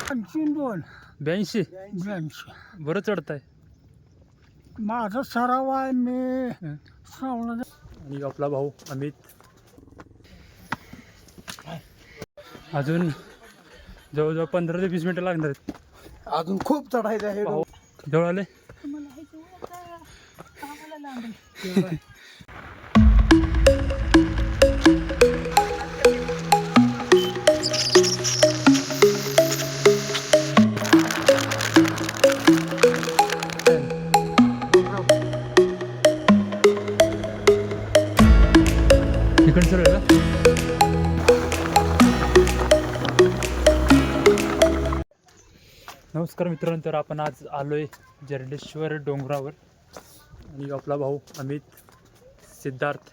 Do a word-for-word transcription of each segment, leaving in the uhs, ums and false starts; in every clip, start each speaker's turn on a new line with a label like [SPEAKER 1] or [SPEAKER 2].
[SPEAKER 1] ऐंशी दोन
[SPEAKER 2] ब्याऐंशी
[SPEAKER 1] ब्याऐंशी
[SPEAKER 2] बरं चढताय.
[SPEAKER 1] माझा सराव आहे. मी श्रावण
[SPEAKER 2] आणि आपला भाऊ अमित. अजून जवळजवळ पंधरा ते वीस मिनिटं लागणार आहेत.
[SPEAKER 1] अजून खूप चढायचं आहे.
[SPEAKER 2] भाऊ जवळ आले. इकडचं आहे का? नमस्कार मित्रांनो, तर आपण आज आलोय जरडेश्वर डोंगरावर आणि आपला भाऊ अमित, सिद्धार्थ.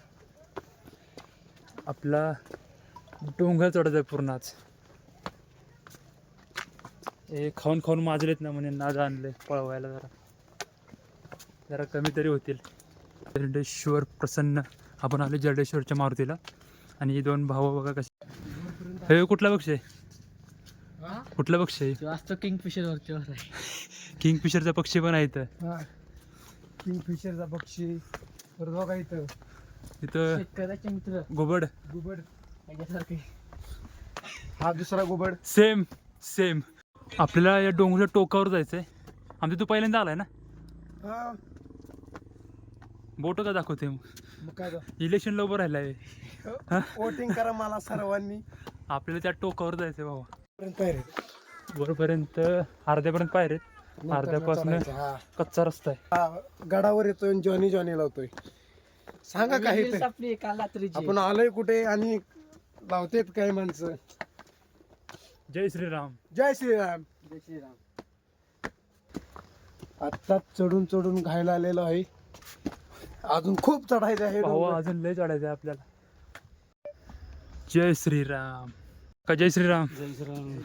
[SPEAKER 2] आपला डोंगर चढत आहे पूर्ण. आज हे खाऊन खाऊन माजलेत ना, म्हणे नाद आणले पळवायला. जरा जरा कमी तरी होतील. जरडेश्वर प्रसन्न आपण आलो जरडेश्वरच्या मारुतीला. आणि दोन भाऊ बघा कसे. हे कुठला पक्षी आहे? कुठला पक्षी आहे?
[SPEAKER 3] जास्त किंगफिशर वरच्यावर आहे.
[SPEAKER 2] किंगफिशरचा पक्षी पण आहे इथं.
[SPEAKER 1] किंगफिशरचा पक्षी. परत बघा इथं
[SPEAKER 2] इथं
[SPEAKER 3] शेतकऱ्याचे मित्र
[SPEAKER 2] घुबड.
[SPEAKER 1] गुबड.
[SPEAKER 3] याच्यासारखे.
[SPEAKER 1] हा दुसरा गुबड.
[SPEAKER 2] Same same. आपल्याला या डोंगराच्या टोकावर जायचंय. आमच्या तू पहिल्यांदा आलाय ना?
[SPEAKER 1] हा
[SPEAKER 2] बोट का दाखवते मग?
[SPEAKER 1] मग काय
[SPEAKER 2] इलेक्शनला उभं राहिलाय.
[SPEAKER 1] वोटिंग करा मला सर्वांनी.
[SPEAKER 2] आपल्याला त्या टोकावर जायचंय भाऊ.
[SPEAKER 1] पायरे
[SPEAKER 2] वरपर्यंत अर्ध्यापर्यंत पायरेत. अर्ध्यापासून कच्चा रस्ता आहे.
[SPEAKER 1] गडावर येतोय जॉनी जॉनी लावतोय. सांगा काही ते.
[SPEAKER 3] आपली काल रात्रीची
[SPEAKER 1] आपण आलोय कुठे आणि लावतेत काय माणसं.
[SPEAKER 2] जय श्रीराम.
[SPEAKER 1] जय श्रीराम.
[SPEAKER 3] जय श्रीराम.
[SPEAKER 1] आत्ताच चढून चढून घायला आलेलो आहे. अजून खूप चढायचं आहे.
[SPEAKER 2] भाऊ अजून लय चढायचं आहे आपल्याला. जय श्रीराम का जय श्रीराम.
[SPEAKER 3] जय श्रीराम.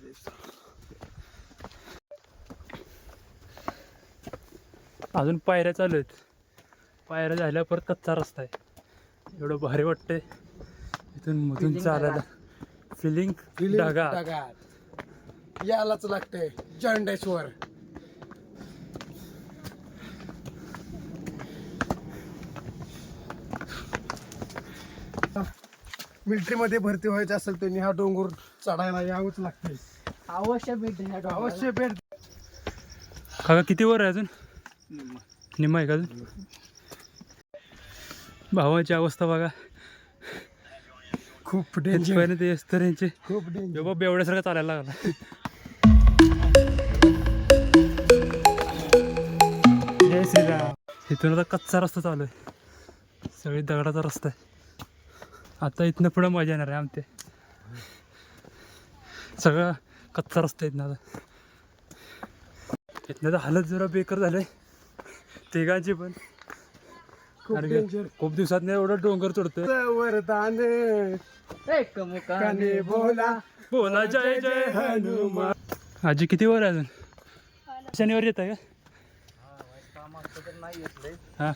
[SPEAKER 2] अजून पायऱ्या चालू आहेत. पायऱ्या झाल्या परत कच्चा रस्ता आहे. एवढं भारी वाटतंय इथून मधून चालायला. फिलिंग ढगात.
[SPEAKER 1] ढगात यालाच लागतंय जरडेश्वर. मिलिटरी मध्ये भरती व्हायचं असेल त्यांनी हा डोंगर चढायला यावंच लागतंय.
[SPEAKER 3] अवश्य भेट द्या.
[SPEAKER 1] अवश्य भेट.
[SPEAKER 2] काका किती वर आहे अजून? निम्मा आहे का अजून? भावाची अवस्था बघा.
[SPEAKER 1] खूप डेंजर.
[SPEAKER 2] पहिलं ते तर यांचे
[SPEAKER 1] खूप डेंजर.
[SPEAKER 2] बाबा एवढ्यासारखं चालायला लागला. जय श्रीराम. इथून आता कच्चा रस्ता चालू आहे. सगळी दगडाचा रस्ता आहे. आता इथनं पुढं मजा येणार आहे. आमचे सगळा कच्चा रस्ता आहेत ना. आता इथनं तर हालत जरा बेकार झालंय तिघांची पण.
[SPEAKER 1] खूप डेंजर.
[SPEAKER 2] खूप दिवसात नाही एवढं डोंगर चढतोय.
[SPEAKER 1] वरदान
[SPEAKER 3] एकमुखाने
[SPEAKER 1] बोला
[SPEAKER 2] बोला जय जय हनुमान. आजी किती वर आहे अजून? शनिवार येत आहे का? हा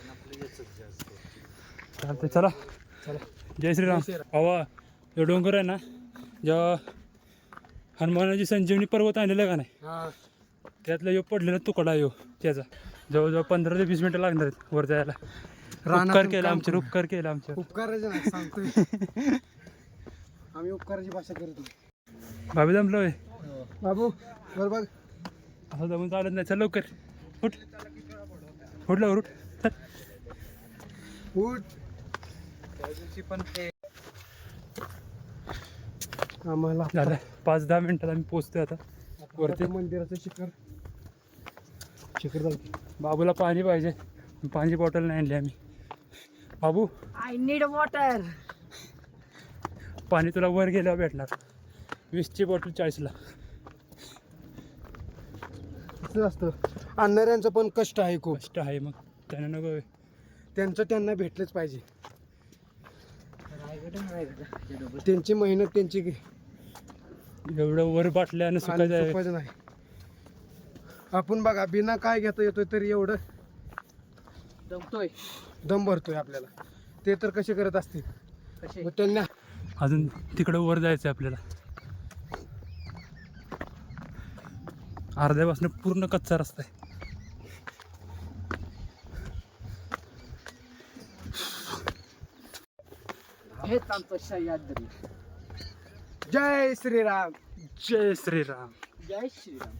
[SPEAKER 2] चालतंय चला. जय श्रीराम. हवा हे डोंगर आहे ना, जेव्हा हनुमानाची संजीवनी पर्वत आणलेला का नाही, त्यातला यो पडलेला तुकडा यो त्याचा. जवळजवळ पंधरा ते वीस मिनिटं लागणार आहेत वर जायला. उपकार केला आमचे. उपकार केला आमच्या.
[SPEAKER 1] उपकाराचे नाही सांगतोय. आम्ही उपकाराची भाषा करतो.
[SPEAKER 2] भाभी जमलो आहे
[SPEAKER 1] बाबू बर बघ.
[SPEAKER 2] असं जमून चालत नाही. चल लवकर उठ. उठ लवकर उठ.
[SPEAKER 1] उठ.
[SPEAKER 3] पण
[SPEAKER 1] आम्हाला
[SPEAKER 2] झालं पाच दहा मिनिटात आम्ही पोचतोय आता वरती.
[SPEAKER 1] मंदिराचं शिखर शिखर जाऊ.
[SPEAKER 2] बाबूला पाणी पाहिजे. पाणी बॉटल नाही आणली आम्ही. बाबू
[SPEAKER 3] आय नीड वॉटर.
[SPEAKER 2] पाणी तुला वर गेल्यावर भेटणार. वीसची बॉटल चाळीसला.
[SPEAKER 1] असं असतं. आणणाऱ्यांचं पण कष्ट आहे खूप.
[SPEAKER 2] कष्ट आहे मग त्यांना नको.
[SPEAKER 1] त्यांचं त्यांना भेटलंच पाहिजे. त्यांची मेहनत त्यांची
[SPEAKER 2] एवढं वर बाटल्यानं सुकायचं आहे.
[SPEAKER 1] सोपं नाही. आपण बघा बिना काय घेता येतोय तरी एवढं
[SPEAKER 3] दमतोय.
[SPEAKER 1] दम भरतोय आपल्याला. ते तर कसे करत असतील.
[SPEAKER 3] कसे
[SPEAKER 1] मग त्यांना
[SPEAKER 2] अजून तिकडं वर जायचं आहे आपल्याला. अर्ध्यापासून पूर्ण कच्चा रस्ता आहे.
[SPEAKER 3] हेच आमचं सह्याद्री.
[SPEAKER 1] जय श्रीराम.
[SPEAKER 2] जय श्रीराम.
[SPEAKER 3] जय श्रीराम.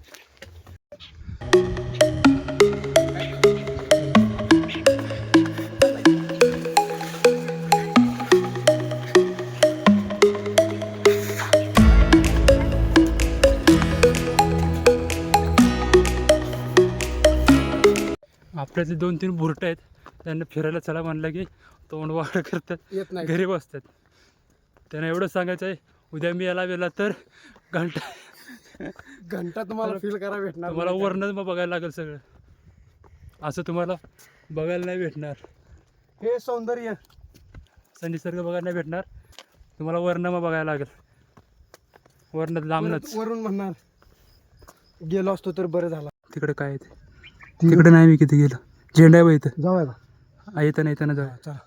[SPEAKER 2] आपल्यातले दोन तीन बुरट आहेत, त्यांना फिरायला चला म्हणलं की तोंड वाढ करतात,
[SPEAKER 1] येत नाही.
[SPEAKER 2] घरी बसतात. त्यांना एवढं सांगायचं आहे, उद्या मी याला गेला तर घंटा
[SPEAKER 1] घंटा तुम्हाला फील करा भेटणार.
[SPEAKER 2] तुम्हाला वरनच मग बघायला लागेल सगळं. असं तुम्हाला बघायला नाही भेटणार.
[SPEAKER 1] हे सौंदर्य
[SPEAKER 2] असं निसर्ग बघायला नाही भेटणार तुम्हाला. वरनं मग बघायला लागेल. वरनं लांबनच.
[SPEAKER 1] वरून म्हणणार गेलो असतो तर बरं झाला.
[SPEAKER 2] तिकडे काय आहे ते? तिकडे नाही मी किती गेलो. झेंडा आहे बा इथं.
[SPEAKER 1] जाऊया का?
[SPEAKER 2] येतं येताना जाऊ.
[SPEAKER 1] चला.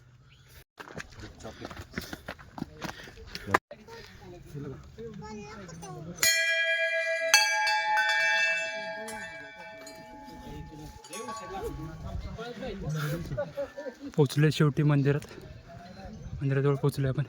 [SPEAKER 2] पोचले शेवटी मंदिरात. मंदिराजवळ पोचलोय आपण.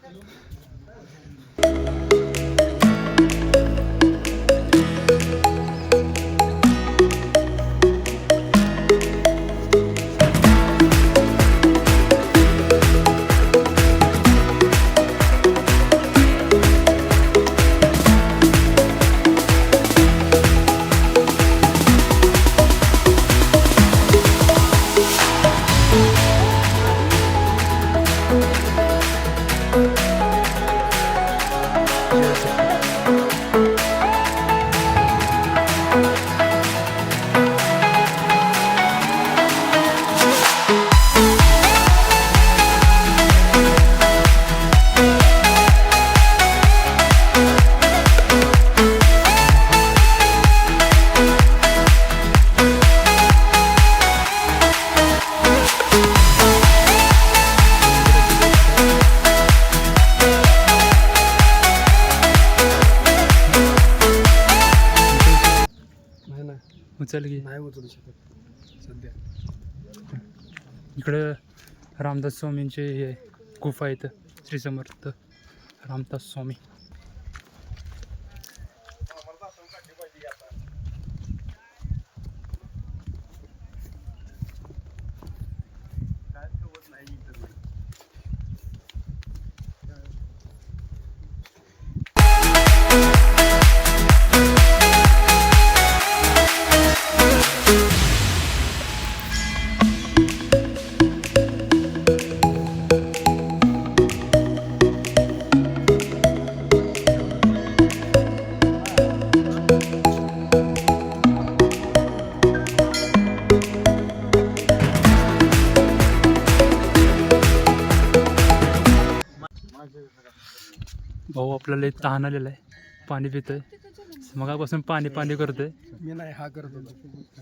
[SPEAKER 2] उचल की.
[SPEAKER 1] नाही उचलू शकत सध्या.
[SPEAKER 2] इकडं रामदास स्वामींचे हे गुफा आहेत. श्री समर्थ रामदास स्वामी. भाऊ आपल्याला एक तहान आलेला आहे. पाणी पितोय. मगापासून पाणी पाणी करतोय.
[SPEAKER 1] मी नाही हा करत होतो.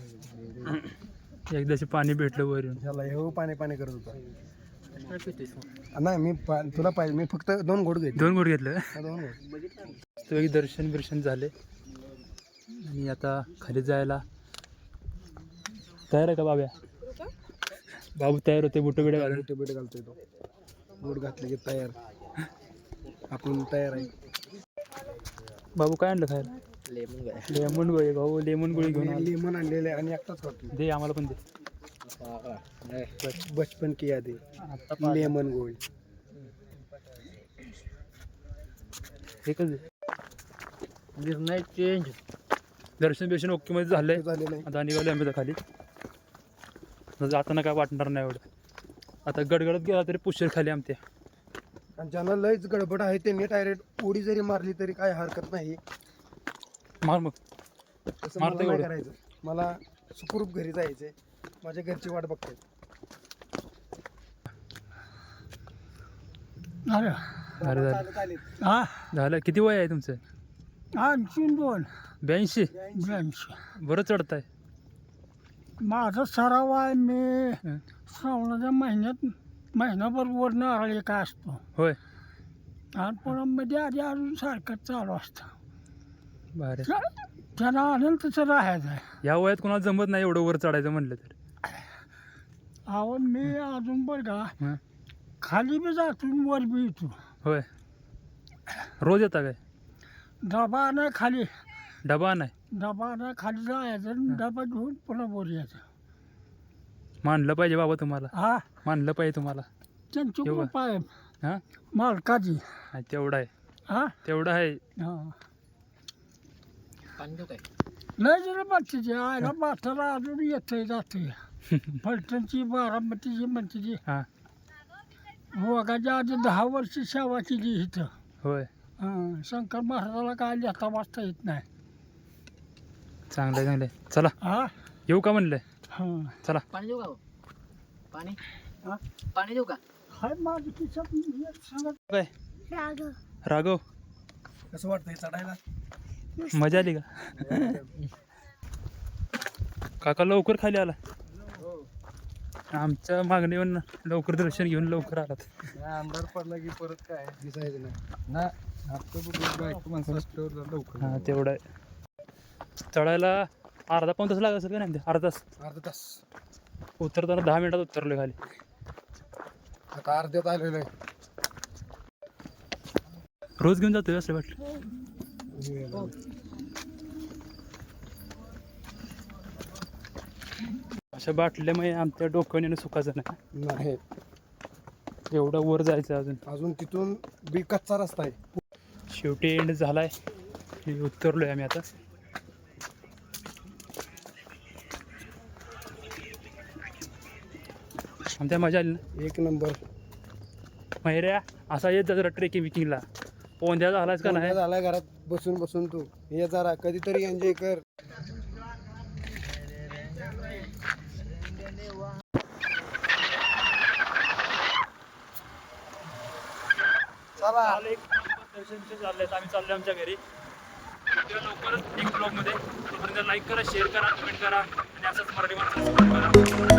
[SPEAKER 2] एकदाशी पाणी भेटलं वर येऊन.
[SPEAKER 1] ह्याला हे पाणी पाणी करत होता. नाही मी पा- तुला पाहिजे. मी फक्त दोन घोट घेतले.
[SPEAKER 2] दोन गोड घेतलं.
[SPEAKER 1] हा, दोन घोट.
[SPEAKER 2] तो एक दर्शन बिर्शन झाले आणि आता खाली जायला तयार आहे का बाब्या? बाबू तयार होते. बुट बिडे घालून.
[SPEAKER 1] बुट बिट घालतोय तो. बूट घातले की तयार. आपण तयार आहे.
[SPEAKER 2] बाबू काय आणलं खायला? लेमन गोळी. भाऊ लेमन गोळी घेऊन आला.
[SPEAKER 1] लिमन आणलेले आणि एकटाच खातो.
[SPEAKER 2] दे आम्हाला पण दे.
[SPEAKER 1] बच- बचपन की यादी.
[SPEAKER 2] आता
[SPEAKER 1] लेमन गोळी.
[SPEAKER 2] एकच दे.
[SPEAKER 3] निर्णय चेंज.
[SPEAKER 2] दर्शन बिर्शन ओके मध्ये झालंय.
[SPEAKER 1] झालेलं आहे.
[SPEAKER 2] आता निघालो आम्ही आता खाली. आता जाताना काय वाटणार नाही एवढं. आता गडगडत गेला तरी पुष्कर खाली आमच्या.
[SPEAKER 1] आणि ज्यांना लयच गडबड आहे त्यांनी डायरेक्ट उडी जरी मारली तरी काय हरकत नाही.
[SPEAKER 2] मार मग.
[SPEAKER 1] तसं
[SPEAKER 2] मारतो
[SPEAKER 1] मला नाही
[SPEAKER 2] एवढं.
[SPEAKER 1] करायचं. मला सुखरूप घरी जायचंय. माझ्या घरची वाट बघतायत.
[SPEAKER 2] अरे झालं.
[SPEAKER 1] हा
[SPEAKER 2] झालं. किती वय आहे तुमचं?
[SPEAKER 1] ऐंशी दोन
[SPEAKER 2] ब्याऐंशी.
[SPEAKER 1] ब्याऐंशी.
[SPEAKER 2] बरं चढताय.
[SPEAKER 1] माझा सराव आहे. मी
[SPEAKER 2] हं.
[SPEAKER 1] श्रावणाच्या महिन्यात महिनाभर वर नारळ काय असतो.
[SPEAKER 2] होय.
[SPEAKER 1] आणि पुन्हा मध्ये आधी अजून सारखं चालू असतं.
[SPEAKER 2] भारी.
[SPEAKER 1] त्याला आनंद तसं राहायचं आहे.
[SPEAKER 2] या वयात कोणाला जमत नाही एवढं वर चढायचं म्हणलं तर.
[SPEAKER 1] अहो मी अजून बरं का
[SPEAKER 2] हं?
[SPEAKER 1] खाली बी जातो वर बी येतो.
[SPEAKER 2] होय. रोज येता काय?
[SPEAKER 1] डबा नाही खाली
[SPEAKER 2] डबा नाही.
[SPEAKER 1] डबा नाही खाली जायचं आणि डबा घेऊन पुन्हा वर यायचं.
[SPEAKER 2] मानलं पाहिजे बाबा तुम्हाला.
[SPEAKER 1] हा
[SPEAKER 2] मानलं पाहिजे तुम्हाला.
[SPEAKER 1] त्यांची
[SPEAKER 2] येऊ का?
[SPEAKER 1] कृपा आहे
[SPEAKER 2] हां
[SPEAKER 1] मालकाची.
[SPEAKER 2] नाही, तेवढं आहे.
[SPEAKER 1] हा
[SPEAKER 2] तेवढं आहे.
[SPEAKER 1] हा
[SPEAKER 3] पाणी देऊ काय?
[SPEAKER 1] लय जण बाटलीची आयला बाठाला अजून येतंय जातंय. फलटणची बारामतीची म्हणते
[SPEAKER 2] हां
[SPEAKER 1] वगाच्या आधी दहा वर्ष सेवा केली इथं.
[SPEAKER 2] होय.
[SPEAKER 1] हां शंकर महाराजाला काय लिहिता वाचता येत नाही.
[SPEAKER 2] चांगलं आहे चांगलं आहे. चला
[SPEAKER 1] हा
[SPEAKER 2] येऊ का म्हणलं.
[SPEAKER 1] हां
[SPEAKER 2] चला.
[SPEAKER 3] पाणी देऊ का हो? पाणी
[SPEAKER 1] हा
[SPEAKER 3] पाणी देऊ का?
[SPEAKER 1] हाय माझं खिशात एक सांगत.
[SPEAKER 2] काय राघव
[SPEAKER 1] कसं वाटतंय चढायला.
[SPEAKER 2] मजा आली का? काका लवकर खाली आला. आमच्या मागणीवर लवकर दर्शन घेऊन लवकर आलात.
[SPEAKER 1] अंधार पडला की परत काय दिसायचं नाही ना. बायको माणसाला लवकर.
[SPEAKER 2] हां तेवढं आहे. चढायला अर्धा पाऊण तास लागत असेल का नाही. अर्धा तास.
[SPEAKER 1] अर्धा तास
[SPEAKER 2] उतरताना दहा मिनिटात उतरलो खाली.
[SPEAKER 1] आता अर्ध्यात आलेलं आहे.
[SPEAKER 2] रोज घेऊन जातोय असं वाटलं. अशा बाटल्यामुळे आमच्या डोक्याने सुखाचं नाही.
[SPEAKER 1] नाही
[SPEAKER 2] एवढा वर जायचं अजून.
[SPEAKER 1] अजून तिथून बी कच्चा रस्ता आहे.
[SPEAKER 2] शेवटी एंड झालाय. हे उतरलोय आम्ही आता. आमच्या मजा आली ना.
[SPEAKER 1] एक नंबर.
[SPEAKER 2] मैऱ्या असा येत जा जरा ट्रेकिंग विकिंगला. पोंद्या झालाच का नाही.
[SPEAKER 1] झालाय घरात बसून बसून तू ये जरा कधीतरी एन्जॉय कर. चला
[SPEAKER 2] दर्शनचे चालले आम्ही चाललो आमच्या घरी. लवकरच एक ब्लॉगमध्ये लाईक करा, शेअर करा, कमेंट करा आणि असंच मराठी माणसाला सपोर्ट करा.